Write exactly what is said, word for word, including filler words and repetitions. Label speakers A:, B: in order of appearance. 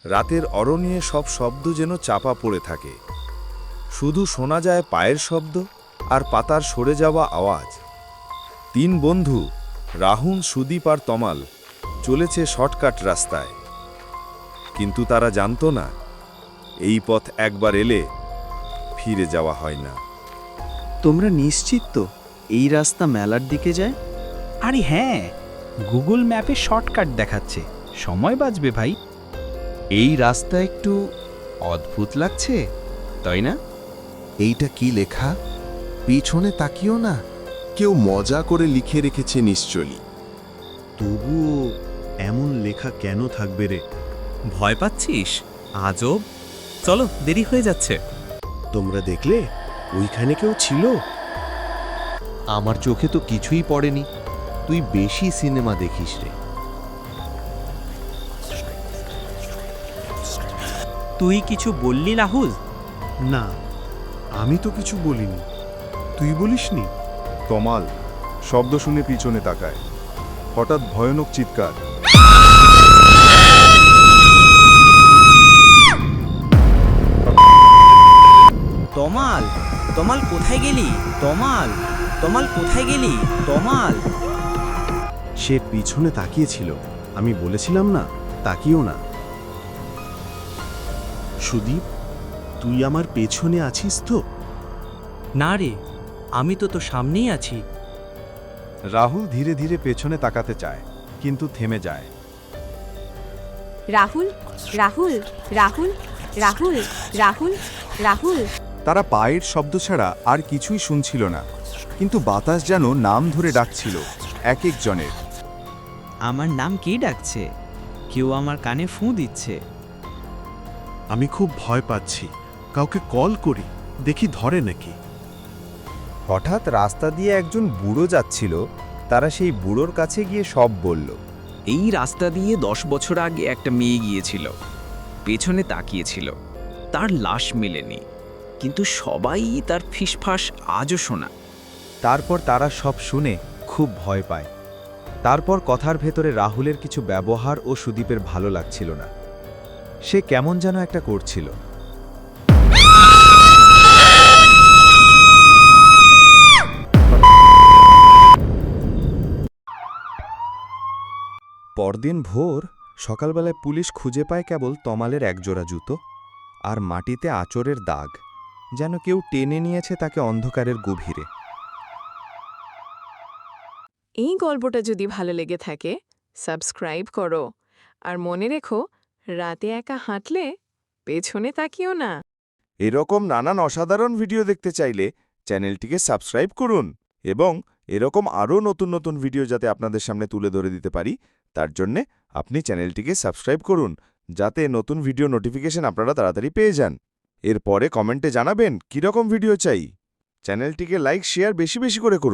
A: রাতের অরণ্যে সব শব্দ যেন চাপা পড়ে থাকে। শুধু শোনা যায় পায়ের শব্দ আর পাতার সরে যাওয়া আওয়াজ। তিন বন্ধু রাহুল, সুদীপ আর তমাল চলেছে শর্টকাট রাস্তায়, কিন্তু তারা জানত না এই পথ একবার এলে ফিরে যাওয়া হয় না।
B: তোমরা নিশ্চিত তো এই রাস্তা মেলার দিকে যায়?
C: আরে হ্যাঁ, গুগল ম্যাপে শর্টকাট দেখাচ্ছে, সময় বাঁচবে ভাই।
D: এই রাস্তা একটু অদ্ভুত লাগছে, তাই না?
E: এইটা কি লেখা? পিছনে তাকিও না। কেউ মজা করে লিখে রেখেছে নিশ্চয়ই।
F: তবুও এমন লেখা কেন থাকবে রে?
G: ভয় পাচ্ছিস? আজব, চলো, দেরি হয়ে যাচ্ছে।
F: তোমরা দেখলে ওইখানে কেউ ছিল?
E: আমার চোখে তো কিছুই পড়েনি। তুই বেশি সিনেমা দেখিস রে।
G: তুই কিছু বললি রাহুল?
F: না, আমি তো কিছু বলিনি। তুই বলিসনি?
A: তমাল শব্দ শুনে পিছনে তাকায়। হঠাৎ ভয়ানক চিৎকার।
H: তমাল, তমাল কোথায় গেলি? তমাল, তমাল কোথায় গেলি? তমাল।
F: সে পিছনে তাকিয়েছিল। আমি বলেছিলাম না, তাকিও না। সুদীপ, তুই আমার পেছনে আছিস তো?
H: না রে, আমি তো তোর সামনেই আছি।
A: রাহুল ধীরে ধীরে পেছনে তাকাতে চায়, কিন্তু থেমে যায়।
I: রাহুল, রাহুল, রাহুল, রাহুল, রাহুল, রাহুল।
A: তারা পায়ের শব্দ ছাড়া আর কিছুই শুনছিল না, কিন্তু বাতাস যেন নাম ধরে ডাকছিল এক একজনের।
B: আমার নাম কে ডাকছে? কেউ আমার কানে ফুঁ দিচ্ছে।
F: আমি খুব ভয় পাচ্ছি। কাউকে কল করি, দেখি ধরে নাকি।
A: হঠাৎ রাস্তা দিয়ে একজন বুড়ো যাচ্ছিল। তারা সেই বুড়োর কাছে গিয়ে সব বলল।
D: এই রাস্তা দিয়ে দশ বছর আগে একটা মেয়ে গিয়েছিল, পেছনে তাকিয়েছিল। তার লাশ মেলেনি, কিন্তু সবাই তার ফিসফাস আজও শোনা।
A: তারপর তারা সব শুনে খুব ভয় পায়। তারপর কথার ভেতরে রাহুলের কিছু ব্যবহার ও সুদীপের ভালো লাগছিল না। সে কেমন যেন একটা করছিল। পরদিন ভোর সকালবেলায় পুলিশ খুঁজে পায় কেবল তমালের একজোড়া জুতো আর মাটিতে আঁচড়ের দাগ, যেন কেউ টেনে নিয়েছে তাকে অন্ধকারের গভীরে।
I: এই গল্পটা যদি ভালো লেগে থাকে, সাবস্ক্রাইব করো। আর মনে রেখো, রাতে একা হাঁটলে পেছনে তাকিও না।
A: এরকম নানান অসাধারণ ভিডিও দেখতে চাইলে চ্যানেলটিকে সাবস্ক্রাইব করুন, এবং এরকম আরও নতুন নতুন ভিডিও যাতে আপনাদের সামনে তুলে ধরে দিতে পারি, তার জন্যে আপনি চ্যানেলটিকে সাবস্ক্রাইব করুন, যাতে নতুন ভিডিও নোটিফিকেশন আপনারা তাড়াতাড়ি পেয়ে যান। এরপরে কমেন্টে জানাবেন কীরকম ভিডিও চাই। চ্যানেলটিকে লাইক, শেয়ার বেশি বেশি করে করুন।